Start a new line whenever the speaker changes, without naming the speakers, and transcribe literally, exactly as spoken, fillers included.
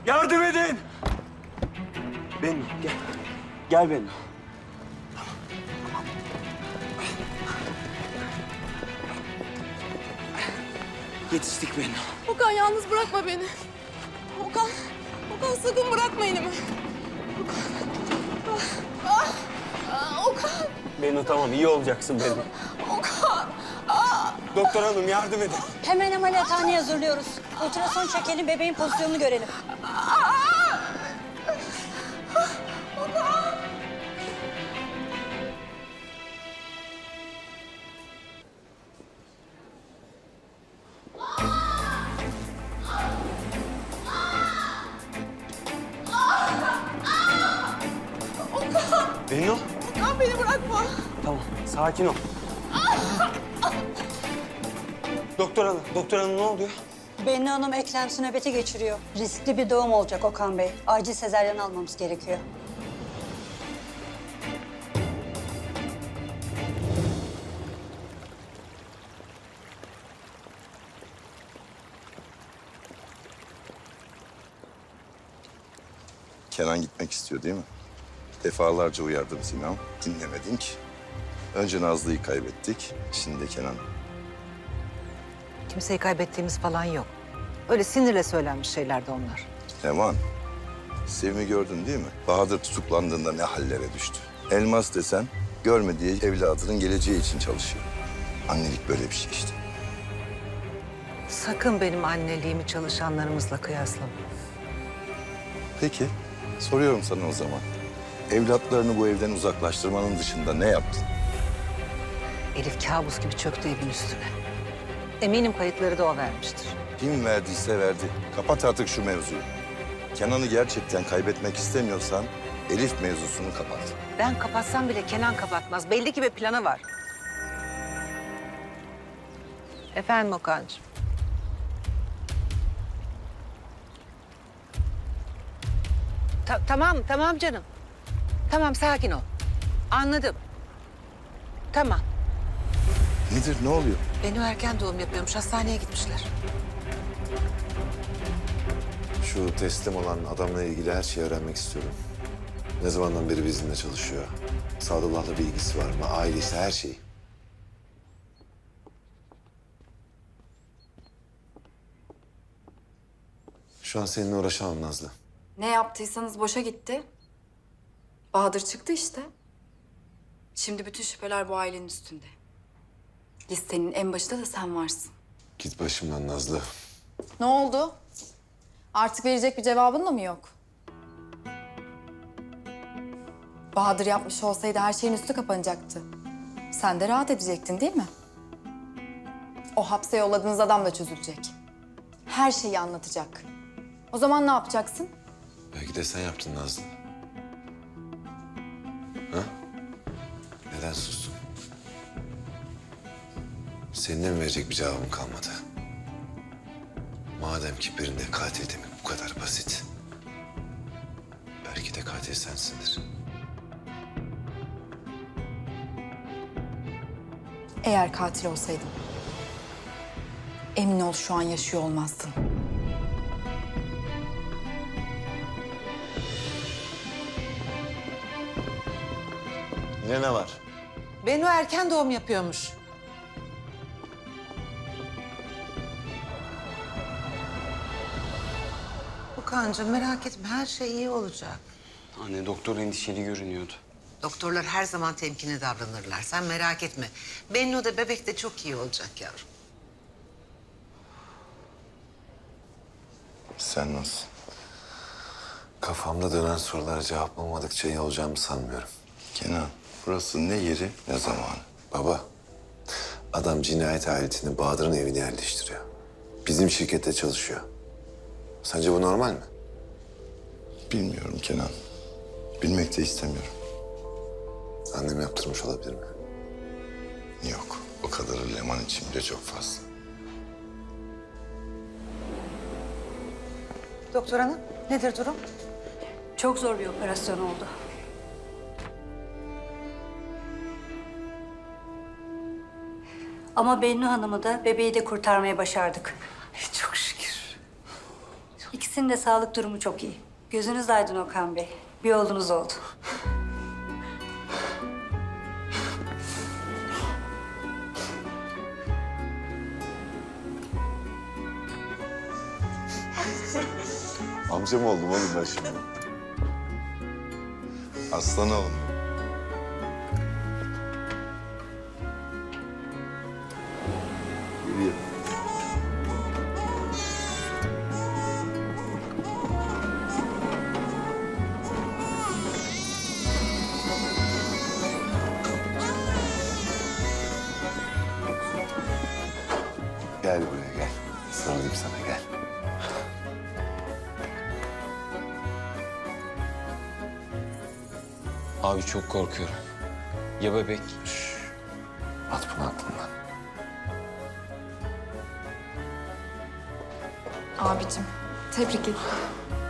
Yardım edin! Bennu gel. Gel Bennu. Yetiştik Bennu.
Okan yalnız bırakma beni. Okan, Okan sakın bırakma elimi. Okan. Ah, ah, Okan.
Bennu tamam iyi olacaksın Bennu.
Okan. Ah.
Doktor hanım yardım edin.
Hemen ameliyathaneye hazırlıyoruz. Ultrason çekelim, bebeğin pozisyonunu görelim.
Bennu.
Okan beni bırakma.
Tamam sakin ol. Doktor hanım, doktor hanım ne oluyor?
Bennu Hanım eklemsi nöbeti geçiriyor. Riskli bir doğum olacak Okan Bey. Acil sezaryen almamız gerekiyor.
Kenan gitmek istiyor değil mi? Defalarca uyardım seni ama dinlemedin ki. Önce Nazlı'yı kaybettik, şimdi de Kenan.
Kimseyi kaybettiğimiz falan yok. Öyle sinirle söylenmiş şeylerdi onlar.
Leman, Sevim'i gördün değil mi? Bahadır tutuklandığında ne hallere düştü. Elmas desen görmediği evladının geleceği için çalışıyor. Annelik böyle bir şey işte.
Sakın benim anneliğimi çalışanlarımızla kıyaslama.
Peki, soruyorum sana o zaman. Evlatlarını bu evden uzaklaştırmanın dışında ne yaptın?
Elif kabus gibi çöktü evin üstüne. Eminim kayıtları da o vermiştir.
Kim verdiyse verdi. Kapat artık şu mevzuyu. Kenan'ı gerçekten kaybetmek istemiyorsan Elif mevzusunu kapat.
Ben kapatsam bile Kenan kapatmaz. Belli ki bir planı var. Efendim Okan'cığım. Ta- tamam, tamam canım. Tamam, sakin ol. Anladım. Tamam.
Nedir, ne oluyor?
Bennu erken doğum yapıyormuş. Hastaneye gitmişler.
Şu teslim olan adamla ilgili her şeyi öğrenmek istiyorum. Ne zamandan beri bizimle çalışıyor? Sadullah'la bir ilgisi var mı? Ailesi, her şeyi. Şu an seninle uğraşamam Nazlı.
Ne yaptıysanız boşa gitti. Bahadır çıktı işte. Şimdi bütün şüpheler bu ailenin üstünde. Listenin en başında da sen varsın.
Git başımdan Nazlı.
Ne oldu? Artık verecek bir cevabın da mı yok? Bahadır yapmış olsaydı her şeyin üstü kapanacaktı. Sen de rahat edecektin değil mi? O hapse yolladığınız adam da çözülecek. Her şeyi anlatacak. O zaman ne yapacaksın?
Belki de sen yaptın Nazlı. Ha? Neden sustun? Senin de mi verecek bir cevabın kalmadı? Madem ki birinde katil demek bu kadar basit. Belki de katil sensindir.
Eğer katil olsaydın, emin ol şu an yaşıyor olmazdın.
Yine ne var?
Bennu erken doğum yapıyormuş. Okan'cığım merak etme, her şey iyi olacak.
Anne doktor endişeli görünüyordu.
Doktorlar her zaman temkinli davranırlar. Sen merak etme. Bennu da bebek de çok iyi olacak yavrum.
Sen nasıl?
Kafamda dönen sorulara cevap bulmadıkça iyi olacağımı sanmıyorum.
Kenan, burası ne yeri ne zamanı.
Baba, adam cinayet aletini Bahadır'ın evine yerleştiriyor. Bizim şirkette çalışıyor. Sence bu normal mi?
Bilmiyorum Kenan. Bilmek de istemiyorum.
Annem yaptırmış olabilir mi?
Yok, o kadarı Leman için bile çok fazla.
Doktor hanım, nedir durum?
Çok zor bir operasyon oldu. Ama Bennu Hanım'ı da bebeği de kurtarmaya başardık.
Çok şükür.
İkisi İkisinin de sağlık durumu çok iyi. Gözünüz aydın Okan Bey. Bir oğlunuz oldu.
Amca mı oldum oğlum ben şimdi?
Aslan oğlum.
Geliyor. Gel buraya gel. Sarılayım sana gel.
Abi çok korkuyorum. Ya bebek?
At bunu aklından.
Abicim, tebrik ederim.